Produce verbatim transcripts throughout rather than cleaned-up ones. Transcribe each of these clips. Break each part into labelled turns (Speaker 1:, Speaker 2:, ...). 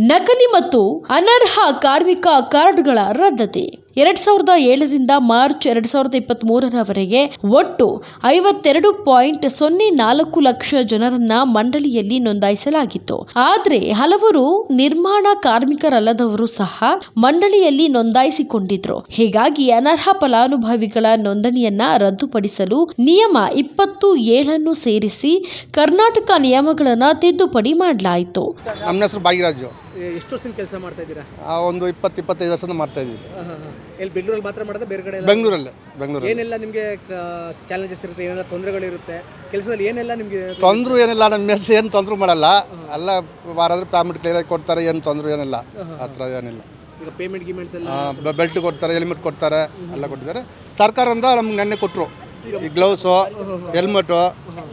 Speaker 1: ನಕಲಿ ಮತ್ತು ಅನರ್ಹ ಕಾರ್ಮಿಕ ಕಾರ್ಡ್ಗಳ ರದ್ದತಿ. ಎರಡ್ ಸಾವಿರದ ಏಳರಿಂದ ಮಾರ್ಚ್ ಎರಡ್ ಸಾವಿರದ ಇಪ್ಪತ್ತ್ ಮೂರರವರೆಗೆ ಒಟ್ಟು ಐವತ್ತೆರಡು ಪಾಯಿಂಟ್ ಸೊನ್ನೆ ನಾಲ್ಕು ಲಕ್ಷ ಜನರನ್ನ ಮಂಡಳಿಯಲ್ಲಿ ನೋಂದಾಯಿಸಲಾಗಿತ್ತು. ಆದರೆ ಹಲವರು ನಿರ್ಮಾಣ ಕಾರ್ಮಿಕರಲ್ಲದವರು ಸಹ ಮಂಡಳಿಯಲ್ಲಿ ನೋಂದಾಯಿಸಿಕೊಂಡಿದ್ರು. ಹೀಗಾಗಿ ಅನರ್ಹ ಫಲಾನುಭವಿಗಳ ನೋಂದಣಿಯನ್ನ ರದ್ದುಪಡಿಸಲು ನಿಯಮ ಇಪ್ಪತ್ತು ಏಳನ್ನು ಸೇರಿಸಿ ಕರ್ನಾಟಕ ನಿಯಮಗಳನ್ನ ತಿದ್ದುಪಡಿ ಮಾಡಲಾಯಿತು.
Speaker 2: ನಮ್ಮ ಹೆಸರು ಭಾಗ್ಯರಾಜು.
Speaker 3: ಎಷ್ಟು ವರ್ಷದಿಂದ ಕೆಲಸ ಮಾಡ್ತಾ ಇದ್ದೀರಾ?
Speaker 2: ಒಂದು ಇಪ್ಪತ್ತು ಇಪ್ಪತ್ತೈದು ವರ್ಷದಿಂದ ಮಾಡ್ತಾ ಇದ್ದೀವಿ.
Speaker 3: ಎಲ್ಲಿ ಬೆಂಗಳೂರಲ್ಲಿ ಮಾತ್ರ ಮಾಡೋದಾ ಬೇರೆ ಕಡೆ?
Speaker 2: ಬೆಂಗಳೂರಲ್ಲೇ. ಬೆಂಗಳೂರು
Speaker 3: ಏನೆಲ್ಲ ನಿಮಗೆ ಚಾಲೆಂಜಸ್ ಇರುತ್ತೆ, ಏನೆಲ್ಲ ತೊಂದರೆಗಳಿರುತ್ತೆ ಕೆಲಸದಲ್ಲಿ? ಏನೆಲ್ಲ ನಿಮಗೆ
Speaker 2: ತೊಂದರೆ ಏನಿಲ್ಲ, ನಮ್ಮ ಮೆಸ್ ಏನು ತೊಂದರೆ ಮಾಡಲ್ಲ. ಎಲ್ಲ ವಾರಾದ್ರೆ ಪೇಮೆಂಟ್ ಕ್ಲಿಯರಾಗಿ ಕೊಡ್ತಾರೆ, ಏನು ತೊಂದರೆ ಏನಿಲ್ಲ, ಆ ಥರ ಏನಿಲ್ಲ.
Speaker 3: ಈಗ ಪೇಮೆಂಟ್ ಗಿಮೆಂಟ್ ಎಲ್ಲ
Speaker 2: ಬೆಲ್ಟ್ ಕೊಡ್ತಾರೆ, ಹೆಲ್ಮೆಟ್ ಕೊಡ್ತಾರೆ, ಎಲ್ಲ ಕೊಟ್ಟಿದ್ದಾರೆ. ಸರ್ಕಾರದಿಂದ ನಮ್ಗೆ ನೆನ್ನೆ ಕೊಟ್ಟರು ಈ ಗ್ಲೌಸು, ಹೆಲ್ಮೆಟು,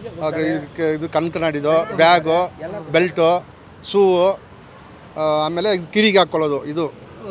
Speaker 2: ಇದು ಕಣ್ಕನಾಡಿದು, ಬ್ಯಾಗು, ಬೆಲ್ಟು, ಶೂವು, ಆಮೇಲೆ ಇದು ಕಿವಿಗೆ ಹಾಕ್ಕೊಳ್ಳೋದು, ಇದು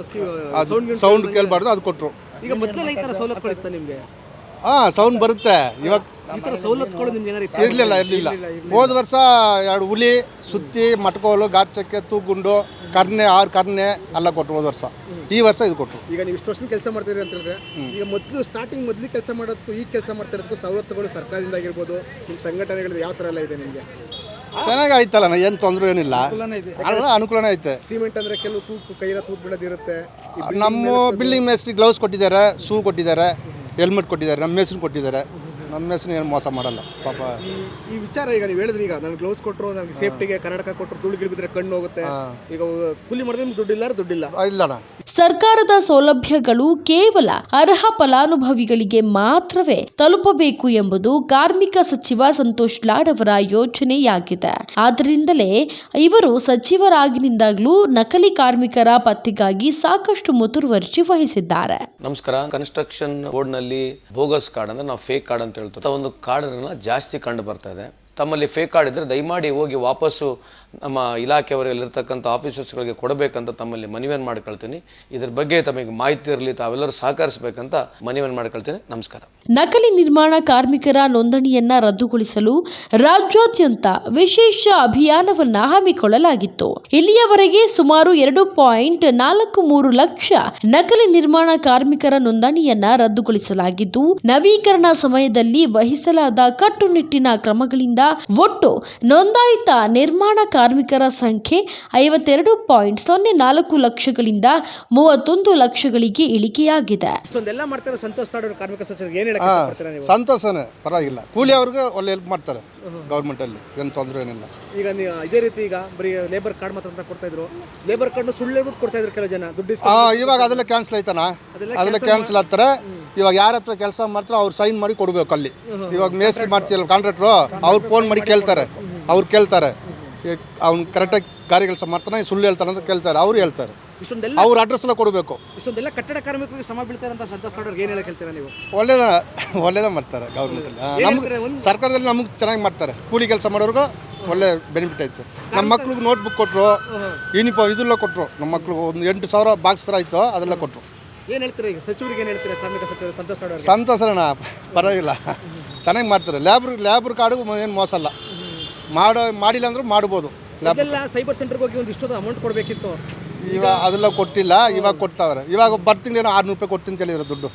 Speaker 2: ಸೌಂಡ್ ಕೇಳಬಾರ್ದು, ಅದು ಕೊಟ್ಟರು.
Speaker 3: ಈಗ ಮೊದಲೆಲ್ಲ ಈ ಥರ ಸವಲತ್ತುಗಳಿತ್ತ ನಿಮಗೆ?
Speaker 2: ಹಾಂ, ಸೌಂಡ್ ಬರುತ್ತೆ. ಇವಾಗ
Speaker 3: ಈ ಥರ ಸವಲತ್ತುಗಳು ನಿಮ್ಗೆ ಏನಾರು
Speaker 2: ಇರಲಿಲ್ಲ ಇರಲಿಲ್ಲ ಹೋದ ವರ್ಷ ಎರಡು ಹುಲಿ, ಸುತ್ತಿ, ಮಟ್ಕೋಲು, ಗಾಚಕ್ಕೆ, ತೂಗುಂಡು, ಕರ್ನೆ, ಆರು ಕರ್ನೆ ಎಲ್ಲ ಕೊಟ್ಟರು ಹೋದ ವರ್ಷ. ಈ ವರ್ಷ ಇದು ಕೊಟ್ಟರು.
Speaker 3: ಈಗ ನೀವು ಇಷ್ಟು ವರ್ಷದಿಂದ ಕೆಲಸ ಮಾಡ್ತಿದ್ದೀರಿ ಅಂತ ಹೇಳಿದ್ರೆ, ಈಗ ಮೊದಲು ಸ್ಟಾರ್ಟಿಂಗ್ ಮೊದಲು ಕೆಲಸ ಮಾಡೋದಕ್ಕೂ ಈಗ ಕೆಲಸ ಮಾಡ್ತಾ ಇರೋದಕ್ಕೂ ಸವಲತ್ತುಗಳು ಸರ್ಕಾರದಿಂದ ಆಗಿರ್ಬೋದು, ನಿಮ್ಮ ಸಂಘಟನೆಗಳು ಯಾವ ಥರ ಎಲ್ಲ ಇದೆ ನಿಮಗೆ?
Speaker 2: ಚೆನ್ನಾಗಿ ಆಯ್ತಲ್ಲ, ಏನು ತೊಂದರೆ ಏನಿಲ್ಲ, ಅನುಕೂಲನೇ ಐತೆ.
Speaker 3: ಸಿಮೆಂಟ್ ಅಂದರೆ ಕೆಲವು ತೂಕು ಕೈಯೆಲ್ಲ ತೂತು ಬಿಡೋದಿರುತ್ತೆ.
Speaker 2: ನಮ್ಮ ಬಿಲ್ಡಿಂಗ್ ಮೇಸ್ತ್ರಿ ಗ್ಲೌಸ್ ಕೊಟ್ಟಿದ್ದಾರೆ, ಶೂ ಕೊಟ್ಟಿದ್ದಾರೆ, ಹೆಲ್ಮೆಟ್ ಕೊಟ್ಟಿದ್ದಾರೆ, ನಮ್ಮ ಮೇಸ್ತ್ರಿ ಕೊಟ್ಟಿದ್ದಾರೆ. ನಮ್ಮ ಮೇಸ್ತ್ರಿ ಏನು ಮೋಸ ಮಾಡಲ್ಲ ಪಾಪ.
Speaker 3: ಈ ವಿಚಾರ ಈಗ ನೀವು ಹೇಳಿದ್ರಿ, ಈಗ ನನಗೆ ಗ್ಲೌಸ್ ಕೊಟ್ಟರು, ನನಗೆ ಸೇಫ್ಟಿಗೆ ಕನ್ನಡಕ ಕೊಟ್ಟರು, ಧೂಳು ಗಿಳಿಬಿದ್ರೆ ಕಣ್ಣು ಹೋಗುತ್ತೆ. ಈಗ ಕೂಲಿ ಮಾಡಿದ್ರೆ ನಿಮ್ಗೆ ದುಡ್ಡಿಲ್ಲ ದುಡ್ಡಿಲ್ಲ
Speaker 2: ಇಲ್ಲಣ್ಣ.
Speaker 1: ಸರ್ಕಾರದ ಸೌಲಭ್ಯಗಳು ಕೇವಲ ಅರ್ಹ ಫಲಾನುಭವಿಗಳಿಗೆ ಮಾತ್ರವೇ ತಲುಪಬೇಕು ಎಂಬುದು ಕಾರ್ಮಿಕ ಸಚಿವ ಸಂತೋಷ್ ಲಾಡ್ ಅವರ ಯೋಚನೆಯಾಗಿದೆ. ಆದ್ದರಿಂದಲೇ ಇವರು ಸಚಿವರಾಗಿನಿಂದಾಗಲೂ ನಕಲಿ ಕಾರ್ಮಿಕರ ಪತ್ತೆಗಾಗಿ ಸಾಕಷ್ಟು ಮುತುವರ್ಜಿ ವಹಿಸಿದ್ದಾರೆ.
Speaker 4: ನಮಸ್ಕಾರ. ಕನ್ಸ್ಟ್ರಕ್ಷನ್ ಬೋರ್ಡ್ ನಲ್ಲಿ ಬೋಗಸ್ ಕಾರ್ಡ್ ಅಂದ್ರೆ ನಾವು ಫೇಕ್ ಕಾರ್ಡ್ ಅಂತ ಹೇಳ್ತೀವಿ. ಒಂದು ಕಾರ್ಡ್ ಜಾಸ್ತಿ ಕಂಡು ಬರ್ತಾ ಇದೆ. ತಮ್ಮಲ್ಲಿ ಫೇಕ್ ಕಾರ್ಡ್ ಇದ್ರೆ ದಯಮಾಡಿ ಹೋಗಿ ವಾಪಸ್ಸು ನಮ್ಮ ಇಲಾಖೆಯವರಲ್ಲಿರ್ತಕ್ಕಂಥ ಆಫೀಸರ್ಸ್ಗಳಿಗೆ ಕೊಡಬೇಕಂತ ತಮ್ಮಲ್ಲಿ ಮನವಿಯನ್ನು ಮಾಡ್ಕೊಳ್ತೀನಿ. ಇದ್ರ ಬಗ್ಗೆ ತಮಗೆ ಮಾಹಿತಿ ಇರಲಿ, ತಾವೆಲ್ಲರೂ ಸಹಕರಿಸಬೇಕಂತ ಮನವಿಯನ್ನು ಮಾಡ್ಕೊಳ್ತೀನಿ. ನಮಸ್ಕಾರ.
Speaker 1: ನಕಲಿ ನಿರ್ಮಾಣ ಕಾರ್ಮಿಕರ ನೋಂದಣಿಯನ್ನ ರದ್ದುಗೊಳಿಸಲು ರಾಜ್ಯಾದ್ಯಂತ ವಿಶೇಷ ಅಭಿಯಾನವನ್ನ ಹಮ್ಮಿಕೊಳ್ಳಲಾಗಿತ್ತು. ಇಲ್ಲಿಯವರೆಗೆ ಸುಮಾರು ಎರಡು ಪಾಯಿಂಟ್ ನಾಲ್ಕು ಮೂರು ಲಕ್ಷ ನಕಲಿ ನಿರ್ಮಾಣ ಕಾರ್ಮಿಕರ ನೋಂದಣಿಯನ್ನ ರದ್ದುಗೊಳಿಸಲಾಗಿದ್ದು, ನವೀಕರಣ ಸಮಯದಲ್ಲಿ ವಹಿಸಲಾದ ಕಟ್ಟುನಿಟ್ಟಿನ ಕ್ರಮಗಳಿಂದ ಒಟ್ಟು ನೋಂದಾಯಿತ ನಿರ್ಮಾಣ ಕಾರ್ಮಿಕರ ಸಂಖ್ಯೆ ಐವತ್ತೆರಡು ಪಾಯಿಂಟ್ ಸೊನ್ನೆ ನಾಲ್ಕು ಲಕ್ಷಗಳಿಂದ ಮೂವತ್ತೊಂದು ಲಕ್ಷಗಳಿಗೆ ಇಳಿಕೆಯಾಗಿದೆ.
Speaker 3: ಇಷ್ಟೊಂದೆಲ್ಲ ಮಾಡ್ತಾರೆ ಸಂತೋಷ್ ಲಾಡ್ ಕಾರ್ಮಿಕ ಸಚಿವರಿಗೆ ಏನು ಹೇಳಕ್ಕೆ ಇಷ್ಟಪಡ್ತೀರಾ ನೀವು?
Speaker 2: ಸಂತೋಷನೇ, ಪರವಾಗಿಲ್ಲ. ಕೂಲಿ ಅವ್ರಿಗೆ ಒಳ್ಳೆ ಹೆಲ್ಪ್ ಮಾಡ್ತಾರೆ ಗೌರ್ಮೆಂಟ್ ಅಲ್ಲಿ, ಏನು ತೊಂದರೆ ಏನಿಲ್ಲ.
Speaker 3: ಈಗ ನೀವು ಇದೇ ರೀತಿ ಈಗ ಬರೀ ಲೇಬರ್ ಕಾರ್ಡ್ ಮಾತ್ರ ಅಂತ ಕೊಡ್ತಾ ಇದ್ರು, ಲೇಬರ್ ಕಾರ್ಡ್ ಸುಳ್ಳು ಹೇಳ್ಬಿಟ್ಟು ಕೊಡ್ತಾ ಇದ್ರು ಕೆಲವು ಜನ ದುಡ್ಡು.
Speaker 2: ಇವಾಗ ಅದೆಲ್ಲ ಕ್ಯಾನ್ಸಲ್ ಆಯ್ತಾನ, ಅದೆಲ್ಲ ಕ್ಯಾನ್ಸಲ್ ಆಗ್ತಾರೆ. ಇವಾಗ ಯಾರ ಹತ್ರ ಕೆಲಸ ಮಾಡ್ತಾರೆ ಅವ್ರು ಸೈನ್ ಮಾಡಿ ಕೊಡ್ಬೇಕು ಅಲ್ಲಿ. ಇವಾಗ ಮೇಸ್ತ್ರಿ ಮಾಡ್ತೀರಲ್ಲ ಕಾಂಟ್ರಾಕ್ಟ್ರು, ಅವ್ರು ಫೋನ್ ಮಾಡಿ ಕೇಳ್ತಾರೆ, ಅವ್ರು ಕೇಳ್ತಾರೆ ಅವ್ನು ಕರೆಕ್ಟಾಗಿ ಗಾರಿ ಕೆಲಸ ಮಾಡ್ತಾನೆ, ಸುಳ್ಳು ಹೇಳ್ತಾನೆ ಅಂತ ಕೇಳ್ತಾರೆ, ಅವ್ರು ಹೇಳ್ತಾರೆ.
Speaker 3: ಇಷ್ಟೊಂದೆಲ್ಲ
Speaker 2: ಅವ್ರ ಅಡ್ರೆಸ್ ಎಲ್ಲ ಕೊಡಬೇಕು.
Speaker 3: ಇಷ್ಟೊಂದೆಲ್ಲ ಕಟ್ಟಡ ಕಾರ್ಮಿಕರಿಗೆ ಶ್ರಮ ಬೀಳ್ತಾರೆ ಅಂತ ಸಂತೋಷ್ ಲಾಡ್ ಅವ್ರಿಗೆ ಏನು ಹೇಳಕ್ಕೆ ಹೇಳ್ತೀರಾ ನೀವು?
Speaker 2: ಒಳ್ಳೇದ ಒಳ್ಳೇದ ಮಾಡ್ತಾರೆ ಗೌರ್ಮೆಂಟಲ್ಲಿ. ನಮ್ಗೆ ಸರ್ಕಾರದಲ್ಲಿ ನಮಗೆ ಚೆನ್ನಾಗಿ ಮಾಡ್ತಾರೆ. ಕೂಲಿ ಕೆಲಸ ಮಾಡೋರ್ಗೂ ಒಳ್ಳೆ ಬೆನಿಫಿಟ್ ಐತೆ. ನಮ್ಮ ಮಕ್ಳಿಗೆ ನೋಟ್ಬುಕ್ ಕೊಟ್ಟರು, ಯೂನಿಫಾರ್ಮ್ ಇದೆಲ್ಲ ಕೊಟ್ಟರು. ನಮ್ಮ ಮಕ್ಳಿಗೆ ಒಂದು ಎಂಟು ಸಾವಿರ ಬಾಕ್ಸ್ ಥರ ಆಯಿತು, ಅದೆಲ್ಲ ಕೊಟ್ಟರು.
Speaker 3: ಏನು ಹೇಳ್ತೀರಾ ಈಗ ಸಚಿವರಿಗೆ, ಏನು ಹೇಳ್ತೀರಾ ಕಾರ್ಮಿಕ ಸಚಿವರು ಸಂತೋಷ್ ಲಾಡ್ ಅವ್ರಿಗೆ?
Speaker 2: ಸಂತೋಷನ, ಪರವಾಗಿಲ್ಲ, ಚೆನ್ನಾಗಿ ಮಾಡ್ತಾರೆ. ಲ್ಯಾಬ್ರ್ ಲ್ಯಾಬ್ರ್ ಕಾರ್ಡು ಏನು ಮೋಸ ಅಲ್ಲ, ಮಾಡೋ ಮಾಡಿಲ್ಲ ಅಂದ್ರೂ ಮಾಡ್ಬೋದು.
Speaker 3: ಅದೆಲ್ಲ ಸೈಬರ್ ಸೆಂಟರ್ಗೆ ಹೋಗಿ ಒಂದು ಇಷ್ಟೊಂದು ಅಮೌಂಟ್ ಕೊಡಬೇಕಿತ್ತು,
Speaker 2: ಇವಾಗ ಅದೆಲ್ಲ ಕೊಟ್ಟಿಲ್ಲ. ಇವಾಗ ಕೊಡ್ತಾವ್ರೆ. ಇವಾಗ ಬರ್ ತಿಂಗಳೇನೋ ಆರುನೂರು ರೂಪಾಯಿ ಕೊಡ್ತೀನಿ ಅಂತ ಹೇಳಿದ್ರು ದುಡ್ಡು.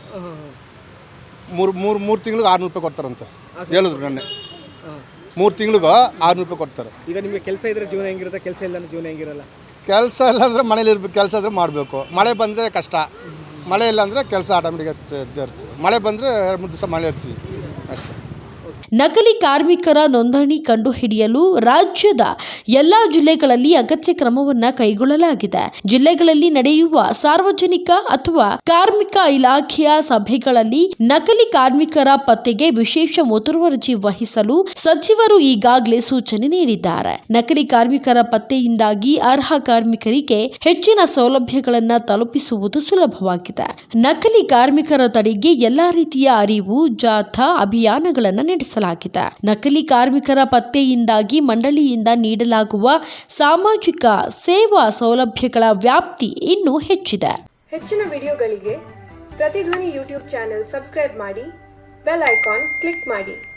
Speaker 2: ಮೂರು ಮೂರು ಮೂರು ತಿಂಗ್ಳಿಗೆ ಆರುನೂರು ರೂಪಾಯಿ ಕೊಡ್ತಾರಂತೆ ಹೇಳಿದ್ರು ನೆನ್ನೆ. ಮೂರು ತಿಂಗಳಿಗೂ ಆರುನೂರು ರೂಪಾಯಿ ಕೊಡ್ತಾರೆ. ಈಗ
Speaker 3: ನಿಮಗೆ ಕೆಲಸ ಇದ್ರೆ ಜೀವನ ಹೆಂಗಿರುತ್ತೆ, ಕೆಲಸ ಇಲ್ಲ ಜೀವನ ಹೆಂಗಿರಲ್ಲ?
Speaker 2: ಕೆಲಸ ಇಲ್ಲ ಅಂದರೆ ಮನೇಲಿ ಇರ್ಬೇಕು, ಕೆಲಸ ಇದ್ರೆ ಮಾಡಬೇಕು. ಮಳೆ ಬಂದರೆ ಕಷ್ಟ, ಮಳೆ ಇಲ್ಲ ಅಂದರೆ ಕೆಲಸ ಆಟೋಮೆಟಿಕ್ ಇದ್ದೇ ಇರ್ತೀವಿ. ಮಳೆ ಬಂದರೆ ಎರಡು ಮೂರು ದಿವಸ ಮಳೆ ಇರ್ತೀವಿ ಅಷ್ಟೇ.
Speaker 1: ನಕಲಿ ಕಾರ್ಮಿಕರ ನೋಂದಣಿ ಕಂಡುಹಿಡಿಯಲು ರಾಜ್ಯದ ಎಲ್ಲಾ ಜಿಲ್ಲೆಗಳಲ್ಲಿ ಅಗತ್ಯ ಕ್ರಮವನ್ನ ಕೈಗೊಳ್ಳಲಾಗಿದೆ. ಜಿಲ್ಲೆಗಳಲ್ಲಿ ನಡೆಯುವ ಸಾರ್ವಜನಿಕ ಅಥವಾ ಕಾರ್ಮಿಕ ಇಲಾಖೆಯ ಸಭೆಗಳಲ್ಲಿ ನಕಲಿ ಕಾರ್ಮಿಕರ ಪತ್ತೆಗೆ ವಿಶೇಷ ಮುತುವರ್ಜಿ ವಹಿಸಲು ಸಚಿವರು ಈಗಾಗಲೇ ಸೂಚನೆ ನೀಡಿದ್ದಾರೆ. ನಕಲಿ ಕಾರ್ಮಿಕರ ಪತ್ತೆಯಿಂದಾಗಿ ಅರ್ಹ ಕಾರ್ಮಿಕರಿಗೆ ಹೆಚ್ಚಿನ ಸೌಲಭ್ಯಗಳನ್ನು ತಲುಪಿಸುವುದು ಸುಲಭವಾಗಿದೆ. ನಕಲಿ ಕಾರ್ಮಿಕರ ತಡೆಗೆ ಎಲ್ಲಾ ರೀತಿಯ ಅರಿವು ಜಾಥಾ ಅಭಿಯಾನಗಳನ್ನು ನಡೆಸಲಾಗಿದೆ. ನಕಲಿ ಕಾರ್ಮಿಕರ ಪತ್ತೆಯಿಂದಾಗಿ ಮಂಡಳಿಯಿಂದ ನೀಡಲಾಗುವ ಸಾಮಾಜಿಕ ಸೇವಾ ಸೌಲಭ್ಯಗಳ ವ್ಯಾಪ್ತಿ ಇನ್ನೂ ಹೆಚ್ಚಿದೆ.
Speaker 5: ಹೆಚ್ಚಿನ ವಿಡಿಯೋಗಳಿಗೆ ಪ್ರತಿಧ್ವನಿ ಯೂಟ್ಯೂಬ್ ಚಾನೆಲ್ ಸಬ್ಸ್ಕ್ರೈಬ್ ಮಾಡಿ, ಬೆಲ್ ಐಕಾನ್ ಕ್ಲಿಕ್ ಮಾಡಿ.